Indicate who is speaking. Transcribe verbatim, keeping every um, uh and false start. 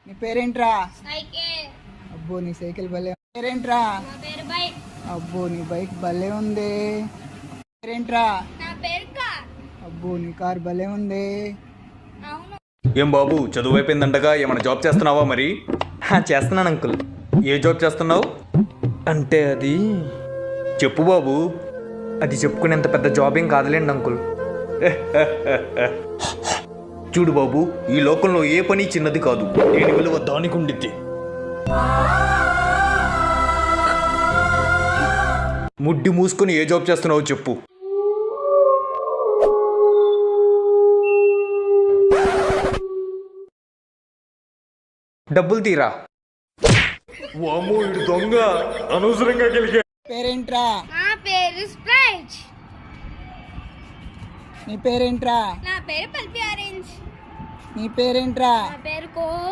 Speaker 1: నీ పేరేంట్రా?
Speaker 2: సైకిల్.
Speaker 1: అబ్బో నీ సైకిల్ భలే. పేరేంట్రా?
Speaker 2: నా పేరు బైక్.
Speaker 1: అబ్బో నీ బైక్ భలే ఉంది. పేరేంట్రా?
Speaker 2: నా పేరు కార్.
Speaker 1: అబ్బో నీ కార్ భలే ఉంది.
Speaker 2: అవును.
Speaker 3: ఏం బాబు చదువు అయిపోయిందంటగా ఏమైనా జాబ్ చేస్తున్నావా మరి?
Speaker 4: చేస్తున్నాను అంకుల్.
Speaker 3: ఏ జాబ్ చేస్తున్నావు?
Speaker 4: అంటే అది
Speaker 3: చెప్పు బాబు.
Speaker 4: అది చెప్పుకునేంత పెద్ద జాబ్ ఏం కాదులేండి అంకుల్.
Speaker 3: చూడు బాబు, ఈ లోకంలో ఏ పని చిన్నది కాదు. దేని విలువ దానికి ఉండిద్ది. ముడ్డి మూసుకొని ఏ జాబ్ చేస్తున్నావో చెప్పు.
Speaker 4: డబ్బులు తీరా.
Speaker 3: వామ్మో ఇడు దొంగ, అనవసరంగా గెలిగా.
Speaker 1: పేరేంట్రా?
Speaker 2: నా పేరు స్ప్రైట్.
Speaker 1: నీ పేరేంట్రా?
Speaker 2: నా పేరు పల్పి ఆరెంజ్.
Speaker 1: నీ పేరేంట్రా?
Speaker 2: నా పేరు కో